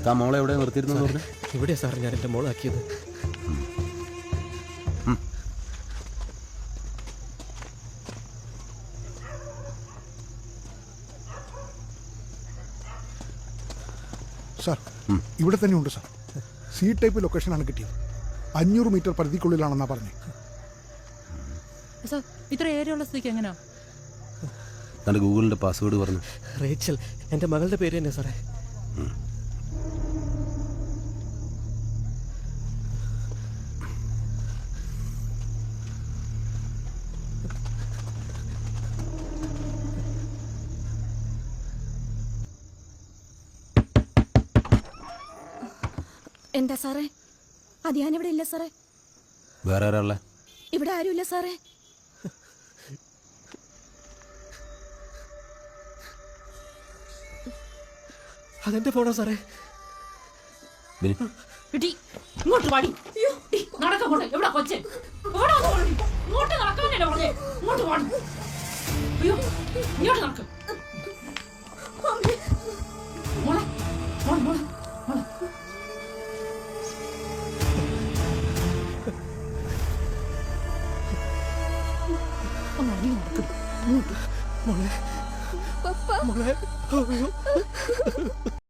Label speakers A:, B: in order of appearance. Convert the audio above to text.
A: താ മോളെ എവിടെ നിർത്തിയിരുന്നു പറഞ്ഞു?
B: ഇവിടെയാ സാർ ഞാൻ എൻ്റെ മോളാക്കിയത്.
C: സാർ ഇവിടെ തന്നെ ഉണ്ട് സാർ. സി ടൈപ്പ് ലൊക്കേഷനാണ് കിട്ടിയത്. 500 മീറ്റർ പരിധിക്കുള്ളിലാണെന്നാ പറഞ്ഞത്.
D: സാർ ഇത്ര ഏരിയ ഉള്ള സ്ഥിതിക്ക് എങ്ങനെയാ?
A: തൻ്റെ ഗൂഗിളിൻ്റെ പാസ്വേഡ് പറഞ്ഞു.
B: റേച്ചൽ എൻ്റെ മകളുടെ പേര് തന്നെ സാറേ.
E: എന്താ സാറേ? അത് ഞാനിവിടെ ഇല്ല സാറേ.
A: വേറെ ആരാളെ?
E: ഇവിടെ ആരുമില്ല സാറേ.
B: അതെന്റെ ഫോണാ സാറേ.
D: ഇങ്ങോട്ട് വാടി. നടക്കോട്ടെ. എവിടെ കൊച്ചെ? ഇങ്ങോട്ട് നടക്കാനല്ലേ പറഞ്ഞേ? ഇങ്ങോട്ട് വാടി. അയ്യോ ഇങ്ങോട്ട് നടക്കും. മോളെ മോളെ മോളെ മോളെ
B: മോളെ മോളെ.